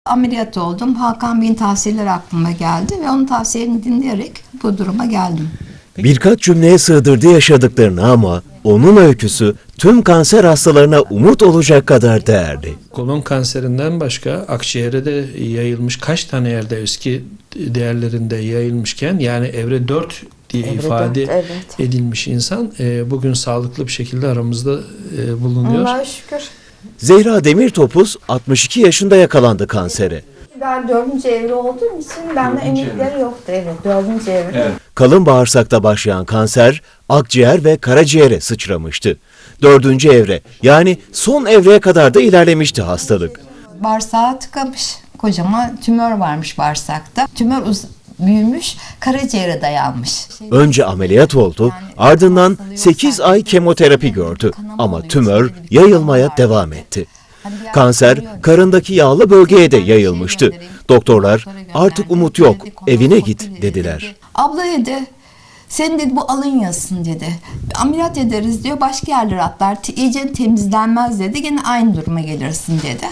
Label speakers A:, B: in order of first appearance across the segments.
A: Ameliyat oldum. Hakan Bey'in tavsiyeleri aklıma geldi ve onun tavsiyelerini dinleyerek bu duruma geldim.
B: Birkaç cümleye sığdırdı yaşadıklarını ama onun öyküsü tüm kanser hastalarına umut olacak kadar değerli.
C: Kolon kanserinden başka akciğere de yayılmış, kaç tane yerde eski değerlerinde yayılmışken, yani evre 4 diye ifade edilmiş insan bugün sağlıklı bir şekilde aramızda bulunuyor.
D: Allah'a şükür.
B: Zehra Demirtopuz 62 yaşında yakalandı kansere.
D: Ben 4. evre olduğum için bende emekleri yoktu. Evet, 4. evre.
E: Evet.
B: Kalın bağırsakta başlayan kanser akciğer ve karaciğere sıçramıştı. 4. evre, yani son evreye kadar da ilerlemişti hastalık.
A: Bağırsağı tıkamış. Kocaman tümör varmış bağırsakta. Tümör büyümüş, karaciğere dayanmış.
B: Önce ameliyat oldu, ardından 8 ay kemoterapi gördü ama tümör yayılmaya devam etti. Kanser karındaki yağlı bölgeye de yayılmıştı. Doktorlar artık umut yok, evine git dediler.
A: Abla dedi, senin dedi bu alın yazsın dedi. Ameliyat ederiz diyor, başka yerlere atlar, iyice temizlenmez dedi, gene aynı duruma gelirsin dedi.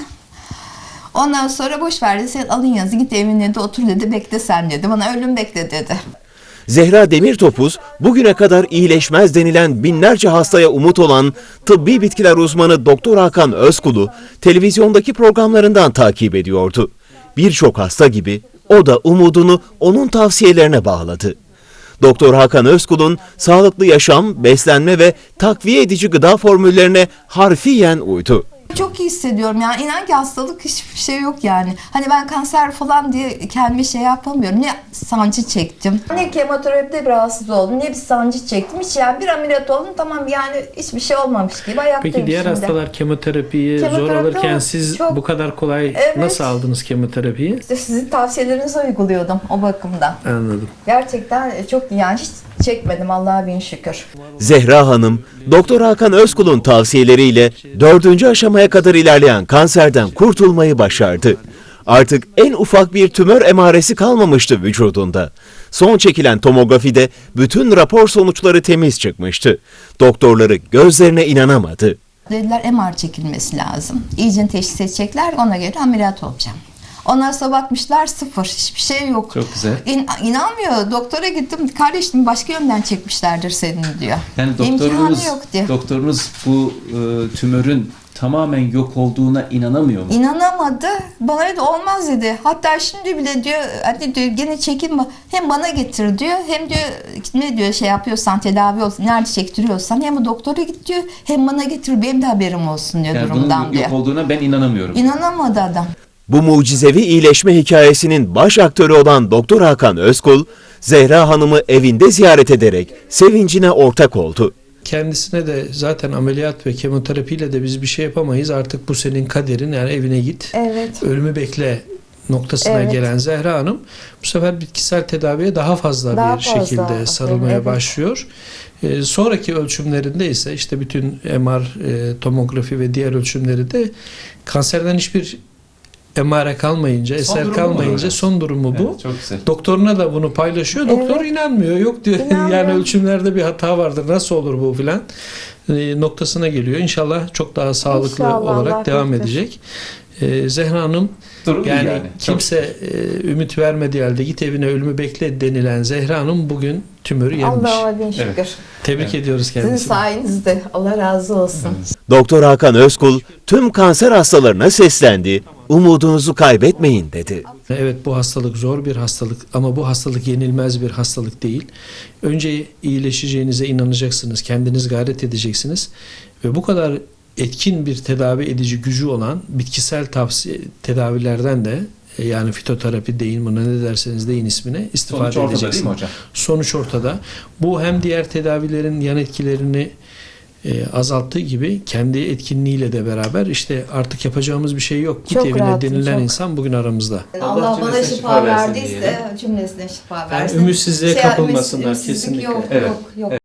A: Ondan sonra boş ver dedi, sen alın yazı git evine de otur dedi, bekle sen dedi, bana ölüm bekle dedi.
B: Zehra Demirtopuz bugüne kadar iyileşmez denilen binlerce hastaya umut olan tıbbi bitkiler uzmanı Doktor Hakan Özkul'u televizyondaki programlarından takip ediyordu. Birçok hasta gibi o da umudunu onun tavsiyelerine bağladı. Doktor Hakan Özkul'un sağlıklı yaşam, beslenme ve takviye edici gıda formüllerine harfiyen uydu.
A: Çok iyi hissediyorum yani, inan ki hastalık hiçbir şey yok yani. Hani ben kanser falan diye kendime şey yapamıyorum. Ne sancı çektim,
D: Ne kemoterapide bir rahatsız oldum, ne bir sancı çektim. Hiç yani bir ameliyat oldum, tamam yani hiçbir şey olmamış gibi ayaktayım.
C: Peki diğer
D: şimdi.
C: hastalar kemoterapiyi zor
D: Kemoterapi
C: alırken siz
D: çok-
C: bu kadar kolay
D: Evet.
C: nasıl aldınız kemoterapiyi?
D: İşte sizin tavsiyelerinizi uyguluyordum o bakımdan.
C: Anladım.
D: Gerçekten çok yani hiç çekmedim Allah'a bin şükür.
B: Zehra Hanım, Doktor Hakan Özkul'un tavsiyeleriyle 4. aşamaya kadar ilerleyen kanserden kurtulmayı başardı. Artık en ufak bir tümör emaresi kalmamıştı vücudunda. Son çekilen tomografide bütün rapor sonuçları temiz çıkmıştı. Doktorları gözlerine inanamadı.
A: dediler MR çekilmesi lazım. İyice teşhis edecekler, ona göre ameliyat olacağım. Ondan sonra bakmışlar sıfır, hiçbir şey yok.
E: Çok güzel.
A: İnanmıyor, doktora gittim, kardeşim başka yönden çekmişlerdir senin diyor.
E: Yani
A: İmkanı yok diyor.
E: doktorunuz bu tümörün tamamen yok olduğuna inanamıyor mu?
A: İnanamadı. Bana dedi olmaz dedi. Hatta şimdi bile diyor, hadi diyor gene çekin, hem bana getir diyor, hem diyor ne diyor şey yapıyorsan, tedavi olsun, nerede çektiriyorsan hem doktora git diyor, hem bana getir, benim de haberim olsun diyor
E: Yani bunun
A: durumdan diyor.
E: yok olduğuna ben inanamıyorum.
A: İnanamadı adam.
B: Bu mucizevi iyileşme hikayesinin baş aktörü olan Doktor Hakan Özkul, Zehra Hanım'ı evinde ziyaret ederek sevincine ortak oldu.
C: Kendisine de zaten ameliyat ve kemoterapiyle de biz bir şey yapamayız. Artık bu senin kaderin, yani evine git.
D: Evet.
C: Ölümü bekle noktasına
D: Evet.
C: gelen Zehra Hanım bu sefer bitkisel tedaviye daha fazla
D: Daha
C: bir
D: fazla.
C: şekilde sarılmaya
D: Evet.
C: başlıyor. Sonraki ölçümlerinde ise işte bütün MR, tomografi ve diğer ölçümleri de kanserden hiçbir emare kalmayınca, eser
E: durumu
C: kalmayınca
E: bu.
C: son durumu bu.
E: Evet, çok güzel.
C: Doktoruna da bunu paylaşıyor. Doktor inanmıyor. Yok diyor.
D: İnanmıyor.
C: Yani ölçümlerde bir hata vardır. Nasıl olur bu filan noktasına geliyor. İnşallah çok daha sağlıklı
D: İnşallah,
C: olarak
D: Allah
C: devam
D: korusun.
C: edecek. Zehra Hanım
E: Durum iyi
C: yani,
E: yani.
C: kimse ümit vermediği halde git evine ölümü bekle denilen Zehra Hanım bugün tümörü yenmiş.
D: Allah'a bin şükür.
E: Evet.
C: Tebrik ediyoruz
D: Sizin
C: kendisini.
D: sayenizde. Allah razı olsun.
B: Doktor Hakan Özkul tüm kanser hastalarına seslendi. Umudunuzu kaybetmeyin dedi.
C: Evet, bu hastalık zor bir hastalık ama bu hastalık yenilmez bir hastalık değil. Önce iyileşeceğinize inanacaksınız, kendiniz gayret edeceksiniz ve bu kadar etkin bir tedavi edici gücü olan bitkisel tedavilerden de yani fitoterapi deyin, buna ne derseniz deyin ismine, istifade
E: Sonuç ortada değil
C: edeceksiniz.
E: mi hocam?
C: Sonuç ortada. Bu hem diğer tedavilerin yan etkilerini azalttığı gibi kendi etkinliğiyle de beraber işte artık yapacağımız bir şey yok. Git
D: Çok
C: evine
D: rahatım,
C: denilen
D: çok.
C: insan bugün aramızda.
D: Allah bana
E: cümlesine
D: şifa
E: şifa versin
D: verdiyse
E: diyelim.
D: cümlesine şifa
C: Yani
D: versin.
C: ümitsizliğe kapılmasınlar
D: ümitsizlik
C: kesinlikle.
D: Yok,
E: Evet,
D: yok, yok.